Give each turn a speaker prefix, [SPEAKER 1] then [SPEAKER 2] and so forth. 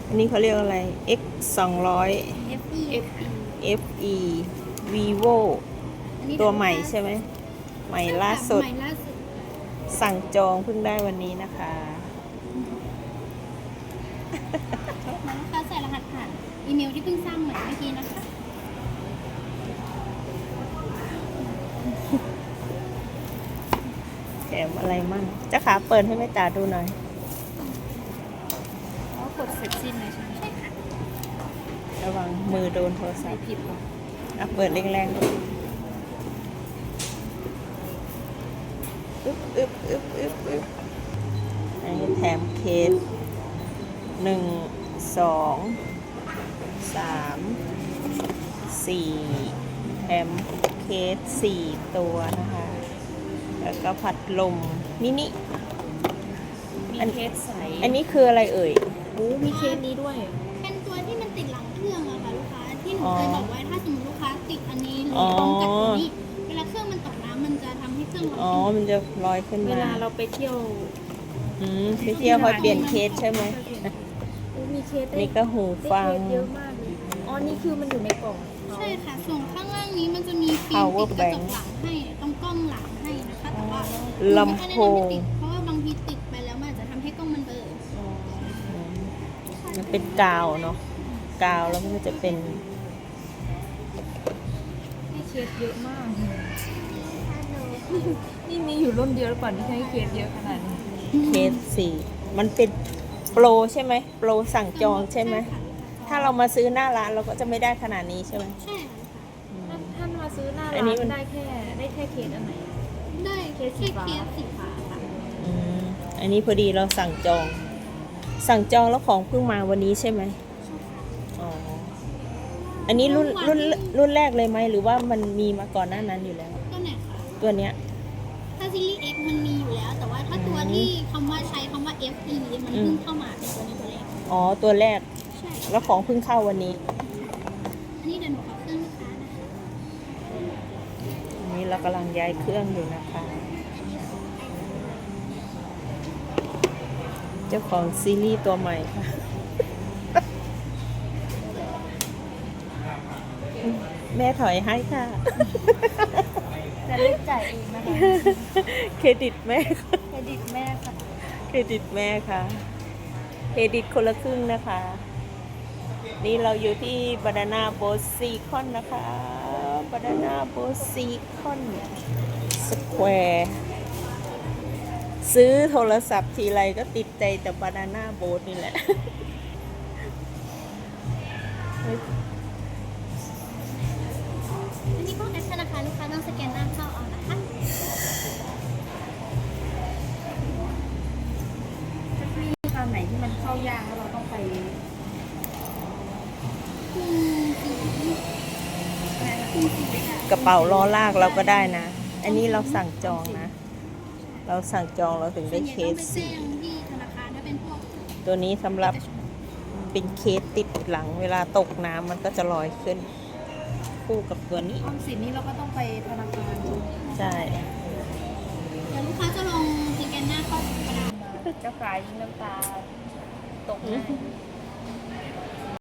[SPEAKER 1] อันนี้เขาเรียกอะไร X 200
[SPEAKER 2] FE
[SPEAKER 1] FE Vivo ตัวใหม่ใช่ไหมใหม่ล่าสุด
[SPEAKER 2] ใหม่ล่าสุด
[SPEAKER 1] สั่งจองเพิ่งได้วันนี้นะคะ
[SPEAKER 2] ลูกค้าใส่รหัสผ่านอีเมลที่เพิ่งสร้างใหม่เมื่อกี้นะคะ
[SPEAKER 1] แถมอะไรมั่งเจ้าขาเปิดให้แม่จ๋าดูหน่อย
[SPEAKER 2] แล้วกดเสร็จสิ้นเลยใช่ไหมใช่ค่ะ
[SPEAKER 1] ระวังมือโดนโทรศัพท์
[SPEAKER 2] ผิดหรอ
[SPEAKER 1] เปิดแรงๆดูอึ๊บอันนี้แถมเคส1 2 3 4แถมเคส4ตัวนะคะ แล้วก็พัดลมมินิ
[SPEAKER 3] มีเคสใส
[SPEAKER 1] อันนี้คืออะไรเอ่ย
[SPEAKER 3] โอ้มีเคสนี้ด้วย
[SPEAKER 2] เป็นตัวที่มันติดหลังเครื่องอะค่ะลูกค้าที่หนูเคยบอกไว้ถ้าสมมติลูกค้าติดอันนี้หรือพร้อมกับตัวนี้เวลาเครื่องมันตกน้ำมันจะทำให้เครื่องเรา
[SPEAKER 1] อ๋อ มันจะลอยขึ้น
[SPEAKER 3] เว
[SPEAKER 1] มา
[SPEAKER 3] ลาเราไปเที่ยว
[SPEAKER 1] ไปเที่ยวคอยเปลี่ยนเคสใช่ไหม
[SPEAKER 3] โอ้มีเคสได้
[SPEAKER 1] นี่ก็หูฟัง
[SPEAKER 3] ได้เคสเยอะมากเลยอ๋อ นี่คือมันอยู่ในกล่องเขา
[SPEAKER 2] ใช่ค่ะส่วนข้างล่างนี้มันจะมีฟิล์ม
[SPEAKER 1] Power
[SPEAKER 2] ติดกระจก
[SPEAKER 1] bank
[SPEAKER 2] หลังให้ตรงกล้องหลังให้นะคะแต่ว่า
[SPEAKER 1] ลำโพง
[SPEAKER 2] เพราะว่าบางทีติดไปแล้วมันอาจจะทำให้กล้องมันเบลอ
[SPEAKER 1] มันเป็นกาวเนาะ กาวแล้วมันก็จะเป็น
[SPEAKER 3] ให้เคสเยอะมาก นี่มีอยู่รุ่นเดียวหรือเปล่าที่ให้เคสเยอะขนาดนี้
[SPEAKER 1] เคส4มันเป็นโปรใช่ไหม โปรสั่งจองใช่ไหม ถ้าเรามาซื้อหน้าร้านเราก็จะไม่ได้ขนาดนี้ใช่ไหม
[SPEAKER 2] ใช่ค่ะ
[SPEAKER 3] ท่านมาซื้อหน้า
[SPEAKER 1] อั
[SPEAKER 3] ร้าน
[SPEAKER 1] นี้มัน
[SPEAKER 3] นได้แค่เคสอันไหน
[SPEAKER 2] ได้แค่เคสสีฟ้าค่ะ
[SPEAKER 1] อันนี้พอดีเราสั่งจอง สั่งจองแล้วของเพิ่งมาวันนี้ใช่ไหมอ๋อ อันนี้รุ่นแรกเลยไหมหรือว่ามันมีมาก่อนหน้านั้นอยู่แล้ว
[SPEAKER 2] ตัวไหนคะ
[SPEAKER 1] ตัวเนี้ย
[SPEAKER 2] ถ้าซีรีส์ X มันมีอยู่แล้ว แต่ว่าถ้าตัวที่คำว่าใช้คำว่า FE มันเพิ่งเข้ามาเป็นตัวนี้ตัวแรก
[SPEAKER 1] อ๋อ ตัวแรก
[SPEAKER 2] ใช่
[SPEAKER 1] แล้วของเพิ่งเข้าวันนี้
[SPEAKER 2] อันนี้เดี๋ยวหนูขอเครื่องลูกค้านะคะ
[SPEAKER 1] อันนี้เรากำลังย้ายเครื่องอยู่นะคะ เจ้าของซีรีส์ตัวใหม่ค่ะ แม่ถอยให้ค่ะ
[SPEAKER 3] จะเลือกจ่ายเองนะคะ
[SPEAKER 1] เครดิตแม่ค่ะ
[SPEAKER 3] เครดิตแม่ค่ะ
[SPEAKER 1] เครดิตแม่ค่ะ เครดิตคนละครึ่งนะคะ นี่เราอยู่ที่บานาน่าโบสซีคอนนะคะบานาน่าโบสซีคอนสแควร์ซื้อโทรศัพท์ทีไรก็ติดใจแต่บานาน่าโบสนี่แหละ
[SPEAKER 2] อันนี้พวกแอปธนาคารลูกค้าต้องสแกนหน้าเข้าเอานะคะ
[SPEAKER 3] ถ้ามีคำไหนที่มันเข้ายากแล้วเราต้องไป
[SPEAKER 1] กระเป๋าล้อลากเราก็ได้นะ อันนี้เราสั่งจองนะ เราสั่งจองเราถึงได้เคส
[SPEAKER 2] ส่วนใหญ่ต้องไปแจ้
[SPEAKER 1] สี
[SPEAKER 2] งที่ธนาคารถ้าเป็นพวก
[SPEAKER 1] ตัวนี้สำหรับเป็นเคสติดหลังเวลาตกน้ำมันก็จะลอยขึ้น คู่กับตัวนี้
[SPEAKER 3] ออมสินนี่เราก็ต้องไปธนาคาร
[SPEAKER 1] ใช่
[SPEAKER 2] เดี๋ยวลูกค้าจะลงสแกนหน้าเข้ากระดาษ
[SPEAKER 3] เจ้าขายยิงน้ำตาตกง่าย